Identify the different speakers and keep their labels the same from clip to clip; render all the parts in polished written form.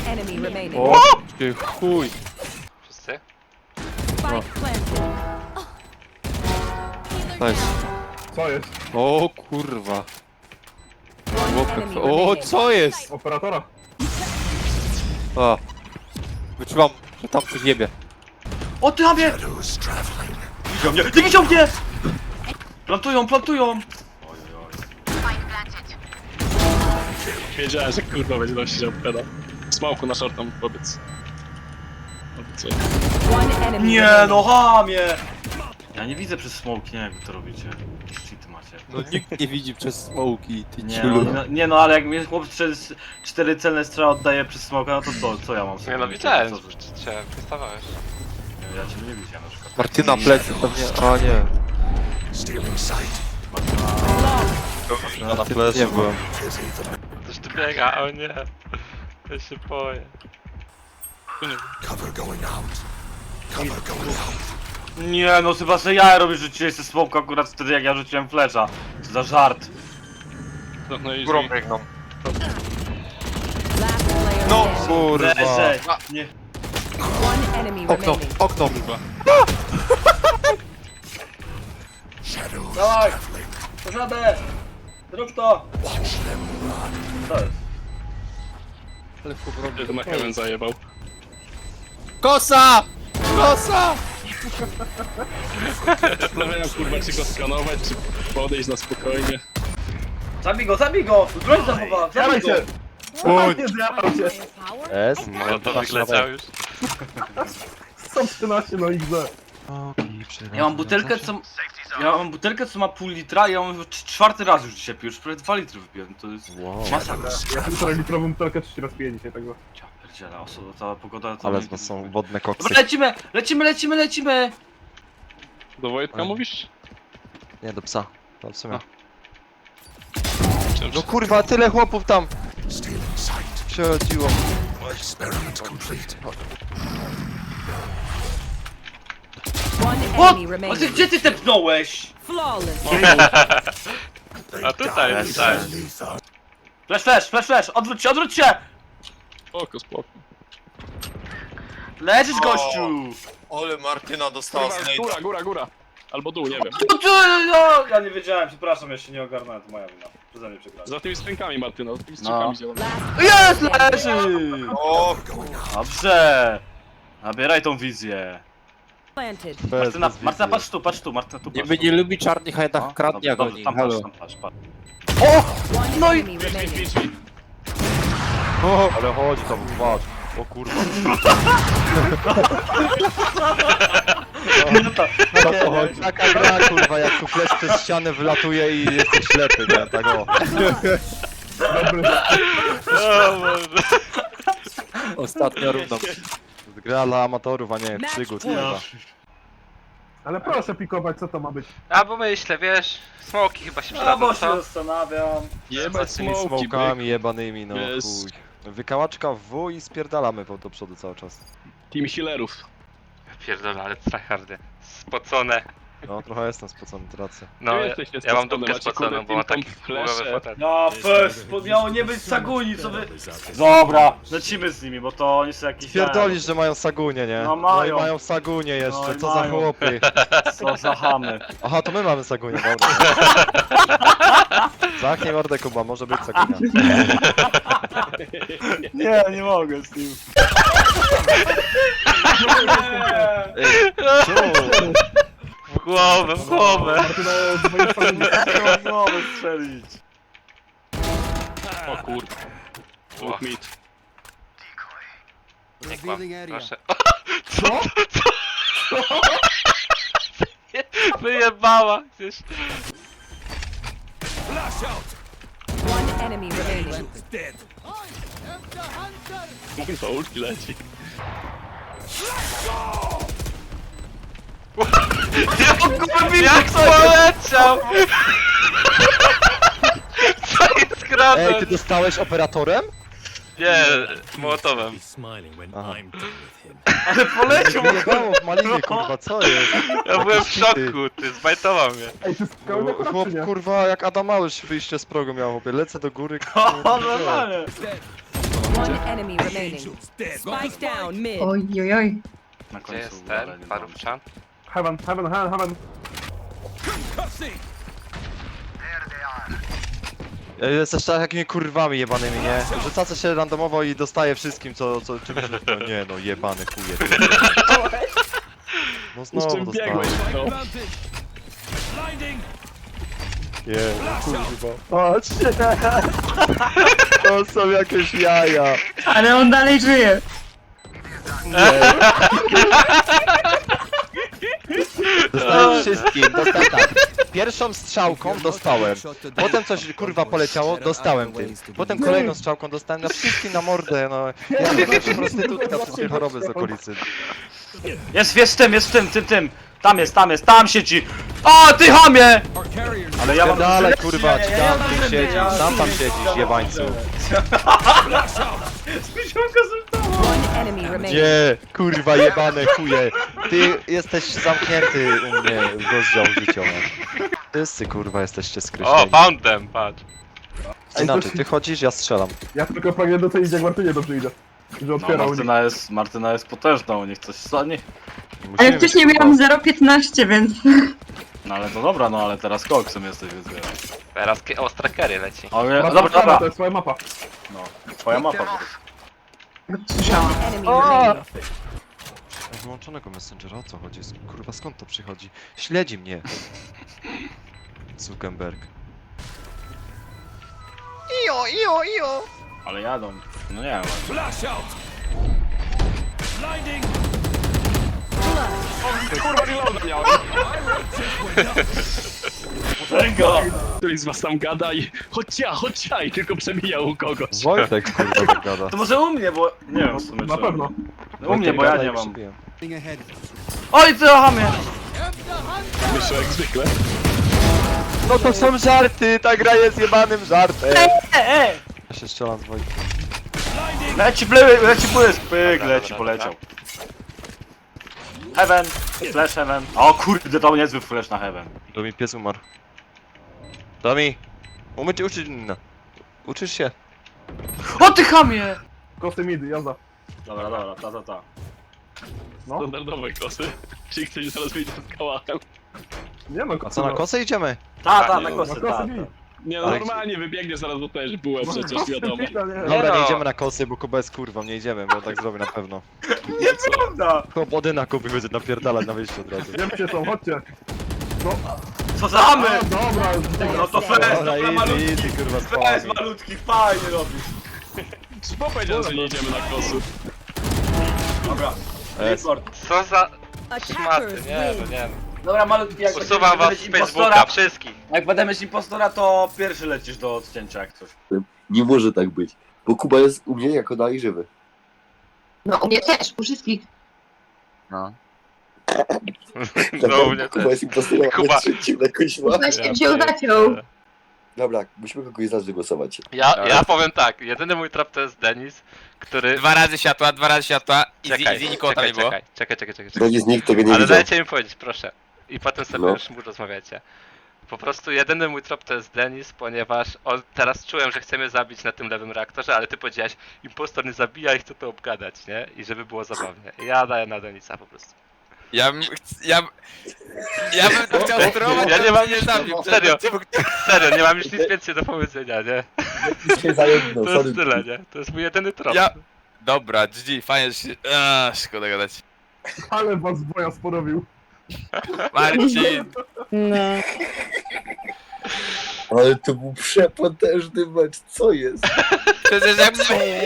Speaker 1: enemy remaining.
Speaker 2: O, ty chuj.
Speaker 3: Wszyscy?
Speaker 1: Spike planted.
Speaker 2: Nice.
Speaker 4: Co jest?
Speaker 2: O kurwa.
Speaker 1: One enemy
Speaker 2: O,
Speaker 1: remaining.
Speaker 2: co jest?
Speaker 4: Operatora?
Speaker 2: O. Wyczuwam, że tam coś jebie.
Speaker 5: O, ty mnie! Widział mnie! Ty widział mnie! Plantują, plantują!
Speaker 6: Wiedziałem, że kurwa będzie nosić peda. Smoku na shortą, powiedz.
Speaker 1: One enemy
Speaker 5: Nie,
Speaker 1: remaining.
Speaker 5: no hamie! Ja nie widzę przez smoke, nie wiem jak wy to robicie. Jakieś cheaty macie.
Speaker 2: No nikt nie widzi przez smoki, ty
Speaker 5: Nie
Speaker 2: ciulu.
Speaker 5: no, nie no, ale jak mnie chłop przez 4 celne strzały oddaje przez smoka, no to co ja mam sobie?
Speaker 3: Nie no
Speaker 5: myśleć?
Speaker 3: widziałem,
Speaker 5: Co
Speaker 3: że
Speaker 5: ty?
Speaker 3: cię wystawałeś.
Speaker 5: Ja cię nie widziałem na przykład.
Speaker 2: Martyna plecy pewnie, a nie.
Speaker 7: Ja na plecy byłem.
Speaker 3: Coś tu biega, o nie. Ja się boję.
Speaker 5: Nie no, chyba że ja robię, że rzuciłeś ze smoka akurat wtedy jak ja rzuciłem flesza. Co za żart.
Speaker 6: No i
Speaker 7: Górą biegną.
Speaker 1: Last player
Speaker 2: No
Speaker 1: standing.
Speaker 2: kurwa.
Speaker 5: Leżej. Nie.
Speaker 1: One enemy
Speaker 2: Okno,
Speaker 1: remaining.
Speaker 2: okno.
Speaker 5: Dawaj! Pożadę! Zrób to! Co jest?
Speaker 2: Ale w powrocie.
Speaker 6: to na heaven zajebał.
Speaker 2: Kosa! Kosa!
Speaker 6: Zastanawiałem kurwa czy go skanować, czy podejść na spokojnie.
Speaker 5: Zabij go! Broń zachowa! Zabij go!
Speaker 4: Nie zjadam się.
Speaker 7: S?
Speaker 3: No to wygleciał już.
Speaker 4: 113 na XD.
Speaker 5: Ja mam butelkę co... Ja mam butelkę co ma pół litra i ja mam już czwarty raz już dzisiaj piję, już prawie 2 litry wypiłem, to jest masakra.
Speaker 4: Ja 1,5-litrową butelkę 3 razy piję dzisiaj, także.
Speaker 5: Ja pierdzielę, cała pogoda to...
Speaker 7: Ale z was są wodne koksy.
Speaker 5: Dobra, lecimy!
Speaker 6: Do Wojtka mówisz?
Speaker 7: Nie, do psa. To w sumie.
Speaker 6: Czym
Speaker 7: No kurwa, tyle chłopów tam! Przechodziło.
Speaker 1: One
Speaker 5: O!
Speaker 1: enemy
Speaker 5: A ty
Speaker 1: remaining.
Speaker 5: gdzie ty tepnąłeś?
Speaker 1: Flawless.
Speaker 3: A tutaj.
Speaker 5: Flash! Odwróć się!
Speaker 6: Spoko.
Speaker 5: Leżysz, gościu!
Speaker 2: Ole Martyna dostała
Speaker 6: Góra. Albo dół, nie wiem.
Speaker 5: No, ja nie wiedziałem, przepraszam, ja się nie ogarnąłem, to moja wina. Przeze mnie przegrałem.
Speaker 6: Za tymi skrzynkami, Martyna, za tymi skrzynkami działamy.
Speaker 5: Jest, leży! Dobrze! Nabieraj tą wizję.
Speaker 1: Planted.
Speaker 5: Martyna, patrz tu, Martyna, tu patrz.
Speaker 2: Niby nie lubi czarnych, a jednak
Speaker 5: No,
Speaker 2: kradnie, a
Speaker 5: dobrze,
Speaker 2: goni.
Speaker 5: tam
Speaker 2: Halo.
Speaker 5: patrz.
Speaker 1: One
Speaker 5: No i-
Speaker 1: enemy remaining.
Speaker 7: O, ale chodzi tam, patrz. O kurwa.
Speaker 5: No to chodzi.
Speaker 7: Taka gra kurwa, jak tu flash przez ścianę wylatuje i jesteś ślepy, nie? Tak o.
Speaker 3: O Boże.
Speaker 2: Ostatnia runda.
Speaker 7: Gra dla amatorów, a nie przygód, kurwa.
Speaker 4: Ale proszę pikować, co to ma być?
Speaker 3: A bo myślę, wiesz, smoki chyba się
Speaker 5: A
Speaker 3: przydadzą,
Speaker 5: bo się
Speaker 3: co?
Speaker 5: zastanawiam.
Speaker 6: Jebać
Speaker 7: Z tymi
Speaker 6: smoki,
Speaker 7: smokami jebanymi, no
Speaker 6: Jest.
Speaker 7: chuj. Wykałaczka w W i spierdalamy do przodu cały czas.
Speaker 6: Team healerów.
Speaker 3: Pierdolę, ale tryhardy. Spocone.
Speaker 7: No trochę jestem spocony, tracę.
Speaker 3: No,
Speaker 6: Wy
Speaker 3: ja,
Speaker 6: jesteście
Speaker 3: ja mam
Speaker 6: spocone,
Speaker 3: dupkę
Speaker 6: macie,
Speaker 3: spoconą,
Speaker 6: kurde,
Speaker 3: bo mam
Speaker 6: team
Speaker 3: taki
Speaker 6: comp
Speaker 3: głowy
Speaker 6: flesze.
Speaker 3: fotel.
Speaker 5: No fest, miało nie być Saguni, co wy... Dobra, lecimy z nimi, bo to oni są jakieś...
Speaker 7: Pierdolisz, że mają sagunie, nie?
Speaker 5: No mają.
Speaker 7: i mają sagunie jeszcze,
Speaker 5: No i
Speaker 7: co za
Speaker 5: mają.
Speaker 7: chłopy.
Speaker 5: Co za chamy.
Speaker 7: Aha, to my mamy sagunie, dobra. Zamknij mordę, Kuba, może być sagunia.
Speaker 5: Nie mogę z nim.
Speaker 3: W głowę, w głowę.
Speaker 4: Martyna, z mojej strony.
Speaker 5: Znowu strzelić.
Speaker 6: O kurwa. Dwóch mid.
Speaker 3: Nie kłam, proszę.
Speaker 4: Co?
Speaker 3: Wyjebała gdzieś.
Speaker 1: One enemy remaining.
Speaker 6: Kurwa, ulti leci.
Speaker 3: Jak poleciał! Co jest grane?
Speaker 7: Ej, ty dostałeś operatorem?
Speaker 3: Nie, młotowem.
Speaker 7: Aha.
Speaker 5: Ale poleciał!
Speaker 7: Wyjebało w malinie, kurwa, co jest?
Speaker 3: Ja byłem w szoku, ty zbajtował mnie.
Speaker 4: Ej, ty skałę
Speaker 7: Chłop,
Speaker 4: nie?
Speaker 7: kurwa, jak Adam Małysz wyjście z progu miał, chłopie. Lecę do góry,
Speaker 5: O, normalnie.
Speaker 1: One enemy remaining. Spike down mid.
Speaker 8: Oj, oj, oj.
Speaker 5: Na
Speaker 3: Gdzie
Speaker 5: końcu
Speaker 3: jest
Speaker 5: ale
Speaker 3: ten
Speaker 5: nie
Speaker 3: parówczan?
Speaker 4: Heaven.
Speaker 7: Jesteście takimi kurwami jebanymi, nie? Rzucacie się randomowo i dostaje wszystkim, czym rzuca. Nie no, jebany chuje. No
Speaker 6: Z
Speaker 7: znowu
Speaker 6: czym
Speaker 7: dostałem.
Speaker 6: biegłeś, no?
Speaker 7: Nie, kurwa. Patrzcie! To są jakieś jaja.
Speaker 8: Ale on dalej żyje.
Speaker 7: Dostałem wszystkim, dostałem tak. Pierwszą strzałką dostałem. Potem coś kurwa poleciało, dostałem tym. Potem kolejną strzałką dostałem na wszystkim na mordę, no. Ja nie wiem, prostytutka, wszystkie choroby z okolicy.
Speaker 5: Jest w tym. Tam siedzi. O, ty chamie! Ale ja mam...
Speaker 7: Dalej kurwa, ci tam tym siedzisz, sam tam siedzisz, jebańcu.
Speaker 1: One enemy remaining.
Speaker 7: Gdzie? Kurwa jebane chuje. Ty jesteś zamknięty u mnie w rozdział życiowy. Wszyscy kurwa jesteście
Speaker 3: O,
Speaker 7: skreśleni.
Speaker 3: found them, patrz.
Speaker 7: Inaczej, ty chodzisz, ja strzelam.
Speaker 4: Ja tylko pragnę docenić, jak Martynie dobrze idzie. Że
Speaker 5: No,
Speaker 4: otwierał.
Speaker 5: Martyna jest potężną, niech coś stanie.
Speaker 8: Ale wcześniej miałam 0,15, więc...
Speaker 5: No ale to dobra, no ale teraz koksem jesteś, więc wiem.
Speaker 3: Teraz ostra carry leci.
Speaker 5: Ale,
Speaker 4: Martyna,
Speaker 5: dobra.
Speaker 4: to jest twoja mapa.
Speaker 5: No, twoja mapa po prostu.
Speaker 8: Słyszałam.
Speaker 1: Enemy remaining.
Speaker 7: Wyłączonego Messengera, o co chodzi? Kurwa, skąd to przychodzi? Śledzi mnie. Zuckerberg.
Speaker 5: Ale jadą. No nie wiem.
Speaker 6: Kurwa, reloada miałem. Któryś z was tam gada i chodź ja i tylko przemijał u kogoś.
Speaker 7: Wojtek kurwa tak gada.
Speaker 5: To może u mnie, bo... Nie wiem w sumie
Speaker 4: Na
Speaker 5: czy-
Speaker 4: pewno.
Speaker 5: No, u mnie, bo ja
Speaker 7: Gada i
Speaker 5: nie mam.
Speaker 7: przybiję.
Speaker 5: Oj, ty chamie!
Speaker 6: Myślę jak zwykle.
Speaker 7: No to są żarty, ta gra jest jebanym żartem. Ja się strzelam z Wojtkiem.
Speaker 5: Leci błysk, pyk, leci, poleciał. Heaven, flash heaven. O kurde, to niezły flash na heaven.
Speaker 7: Domi, pies umarł. Domi! Uczyć... No. Uczysz się?
Speaker 5: O ty chamie!
Speaker 4: Kosty mid, jazda.
Speaker 5: Dobra, ta.
Speaker 4: No.
Speaker 6: Standardowe kosy. Czyli ktoś zaraz wyjdzie z kałachem.
Speaker 4: Nie no,
Speaker 7: A co, na kosę idziemy?
Speaker 5: Ta,
Speaker 6: nie,
Speaker 5: na kosy,
Speaker 4: na
Speaker 5: ta.
Speaker 4: kosy mid.
Speaker 6: Nie no,
Speaker 7: Ale-
Speaker 6: normalnie wybiegniesz zaraz, bo też byłem przecież, wiadomo.
Speaker 7: Dobra,
Speaker 3: no.
Speaker 7: nie idziemy na kosy, bo Kuba jest kurwą, nie idziemy, bo tak zrobię na pewno.
Speaker 5: Prawda.
Speaker 7: Chłopody na Kuby będzie napierdalać na wyjściu od razu.
Speaker 4: Wiem się są, chodźcie.
Speaker 5: Co za chamy!
Speaker 4: A, dobra,
Speaker 5: No to flash,
Speaker 7: Dobra,
Speaker 5: dobra malutki.
Speaker 7: easy, kurwa,
Speaker 5: Flash
Speaker 7: spamy.
Speaker 5: malutki, fajnie robisz.
Speaker 6: Bo powiedział, że nie idziemy na kosy.
Speaker 5: Dobra.
Speaker 7: Es.
Speaker 5: Report.
Speaker 3: Co za szmaty,
Speaker 1: Attackers
Speaker 3: nie no,
Speaker 1: win.
Speaker 3: nie
Speaker 5: Dobra, malutki, jak
Speaker 3: Usuwam was z Facebooka, wszystkich.
Speaker 5: Jak będę mieć impostora, to pierwszy lecisz do odcięcia jak coś.
Speaker 9: Nie może tak być, bo Kuba jest u mnie jako dalej żywy.
Speaker 8: No, u mnie też, u wszystkich.
Speaker 3: No u mnie
Speaker 9: Kuba
Speaker 3: też.
Speaker 9: jest impostorem,
Speaker 3: Kuba.
Speaker 9: ale trzecim na kuźma.
Speaker 8: Właśnie wziął zaciął.
Speaker 9: Dobra, musimy kogoś znać, żeby głosować.
Speaker 3: Ja powiem tak, jedyny mój trap to jest Denis, który...
Speaker 10: Dwa razy światła, easy, nikogo tam nie było.
Speaker 3: Czekaj.
Speaker 9: Będzie z nikt tego nie
Speaker 3: Ale
Speaker 9: widział.
Speaker 3: dajcie mi powiedzieć, proszę. I potem sobie
Speaker 9: No.
Speaker 3: już mu rozmawiacie. Po prostu jedyny mój trop to jest Denis, ponieważ teraz czułem, że chcemy zabić na tym lewym reaktorze, ale ty powiedziałeś, impostor nie zabija i chcę to obgadać, nie? I żeby było zabawnie. Ja daję na Denisa po prostu.
Speaker 10: Ja bym to chciał sterować,
Speaker 3: Ja nie mam
Speaker 10: nie
Speaker 3: nic,
Speaker 10: zabił.
Speaker 3: serio, nie mam już nic więcej do powiedzenia, nie?
Speaker 9: Się zajęgnął,
Speaker 3: To
Speaker 9: sorry.
Speaker 3: jest tyle, nie? To jest mój jedyny trop.
Speaker 10: Ja... Dobra, GG, fajnie, że się... szkoda gadać.
Speaker 4: Ale was boja sporowił.
Speaker 10: Marcin,
Speaker 8: No.
Speaker 9: Ale to był przepotężny mecz, co jest?
Speaker 10: przecież jak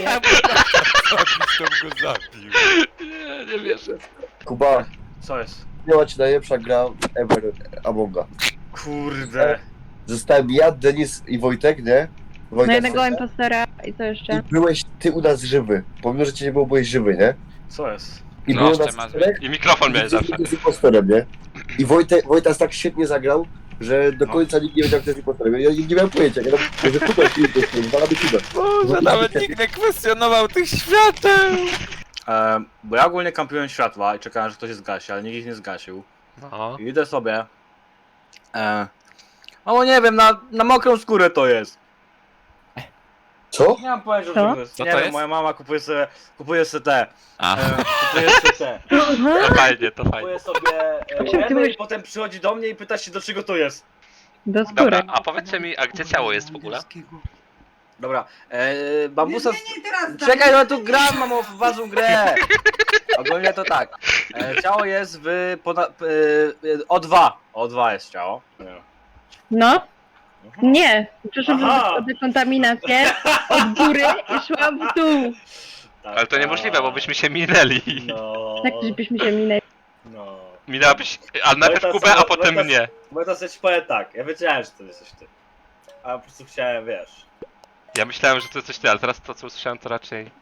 Speaker 10: to go zabił.
Speaker 3: Nie wierzę.
Speaker 9: Kuba,
Speaker 5: Co jest?
Speaker 9: miała ci najlepsza gra ever Amonga.
Speaker 5: Kurde.
Speaker 9: Zostałem ja, Denis i Wojtek, nie?
Speaker 8: No
Speaker 9: Wojtek
Speaker 8: jednego
Speaker 9: Sosa.
Speaker 8: impostora i co
Speaker 9: I
Speaker 8: jeszcze?
Speaker 9: byłeś ty u nas żywy. Pomimo, że cię nie było, byłeś żywy, nie?
Speaker 5: Co jest?
Speaker 9: I
Speaker 10: No,
Speaker 9: było
Speaker 10: jeszcze
Speaker 9: nas
Speaker 10: masz
Speaker 9: czterech.
Speaker 3: I mikrofon miałeś zawsze.
Speaker 9: Z impostorem, nie? I Wojtas tak świetnie zagrał, że do końca nikt nie wiedział, kto jest impostorem. Ja nie miałem pojęcia, ja mówię, że Kuba jest impostorem, zwalamy Kubę.
Speaker 10: Boże, nawet nikt nie kwestionował tych świateł.
Speaker 5: Bo ja ogólnie kampiłem światła i czekałem, że ktoś je zgasi, ale nikt ich nie zgasił.
Speaker 3: No.
Speaker 5: I idę sobie. No nie wiem, na mokrą skórę to jest.
Speaker 9: Co?
Speaker 5: Nie mam pojęcia,
Speaker 8: Co?
Speaker 5: że to jest.
Speaker 10: Co
Speaker 5: Nie
Speaker 10: to
Speaker 5: wiem,
Speaker 10: jest?
Speaker 5: moja mama kupuje sobie te.
Speaker 10: A.
Speaker 5: Kupuje sobie te.
Speaker 3: To fajnie, to fajnie.
Speaker 5: Kupuje sobie remy i potem przychodzi do mnie i pyta się, do czego to jest.
Speaker 8: Do
Speaker 3: Dobra,
Speaker 8: skóry.
Speaker 3: a powiedzcie mi, a gdzie ciało jest w ogóle?
Speaker 5: Dobra, bambusa... Czekaj, no tu gram, mam ważną grę! Ogólnie to tak. Ciało jest w... O2. O2 jest ciało.
Speaker 8: No. Nie. Przeszłam
Speaker 5: Aha.
Speaker 8: przez dekontaminację od góry i szłam w dół.
Speaker 5: Tak,
Speaker 3: Ale to niemożliwe, bo byśmy się minęli.
Speaker 5: No.
Speaker 8: Tak, żebyśmy się minęli.
Speaker 5: No.
Speaker 3: Minęłabyś, ale najpierw
Speaker 5: Wojtas-
Speaker 3: Kubę, a potem
Speaker 5: Wojtas-
Speaker 3: mnie.
Speaker 5: Bo to coś powiem tak, ja wiedziałem, że to jesteś ty. A po prostu chciałem, wiesz...
Speaker 3: Ja myślałem, że to coś ty, ale teraz to co usłyszałem to raczej...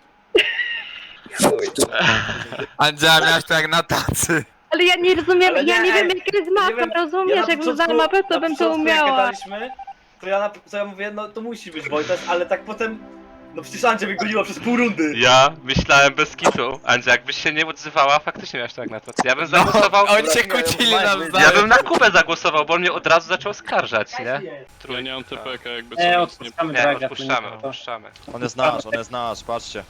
Speaker 10: Andzia, miałeś to jak na tacy.
Speaker 8: Ale ja nie rozumiem,
Speaker 5: Ale
Speaker 8: ja
Speaker 5: nie,
Speaker 8: nie wiem
Speaker 5: ej,
Speaker 8: jaka jest
Speaker 5: nie
Speaker 8: mapa,
Speaker 5: wiem,
Speaker 8: rozumiesz?
Speaker 5: na
Speaker 8: Jakbym znała
Speaker 5: początku-
Speaker 8: mapę, to
Speaker 5: na
Speaker 8: bym to
Speaker 5: początku, jak
Speaker 8: umiała.
Speaker 5: gadaliśmy, to ja mówię, no to musi być Wojtas, ale tak potem... No przecież Andzia mnie goniła przez pół rundy.
Speaker 3: Ja myślałem bez kitu. Andzia, jakbyś się nie odzywała, faktycznie miałeś tak na to. Ja bym zagłosował...
Speaker 10: Oni się kłócili
Speaker 3: Ja
Speaker 10: nawzajem.
Speaker 3: bym na Kubę zagłosował, bo on mnie od razu zaczął skarżać, nie?
Speaker 6: Ja nie mam TPK jakby co.
Speaker 11: Nie,
Speaker 6: więc
Speaker 11: odpuszczamy
Speaker 3: Nie,
Speaker 11: draga.
Speaker 3: odpuszczamy, odpuszczamy.
Speaker 7: On jest nasz, patrzcie.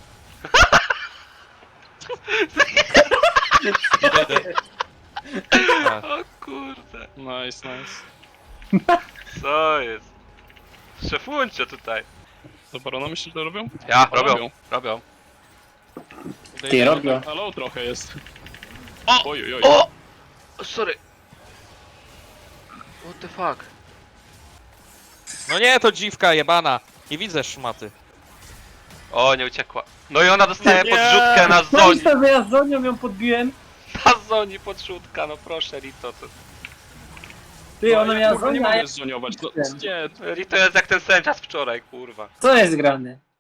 Speaker 3: O kurde,
Speaker 6: Nice, nice.
Speaker 3: co jest? Szefuncie tutaj.
Speaker 6: Dobra, no myślisz, że to robią?
Speaker 3: Ja,
Speaker 6: O,
Speaker 3: robią.
Speaker 11: Ty, robią.
Speaker 6: Halo, trochę jest.
Speaker 3: O!
Speaker 6: Oj, oj.
Speaker 3: O! Sorry. What the fuck?
Speaker 10: No nie, to dziwka jebana. Nie widzę szmaty.
Speaker 3: O, nie uciekła. No i ona dostaje podrzutkę na
Speaker 11: No i
Speaker 3: zoni.
Speaker 11: sobie ja z Zonią ją podbiłem.
Speaker 3: Na zoni podrzutka, no proszę Rito.
Speaker 11: Ty, ona miała
Speaker 6: Kurwa, nie
Speaker 11: Zonię, a ja...
Speaker 6: mogę zoniować. No, nie,
Speaker 3: Rito jest jak ten sędzia z wczoraj, kurwa.
Speaker 11: Co jest grane?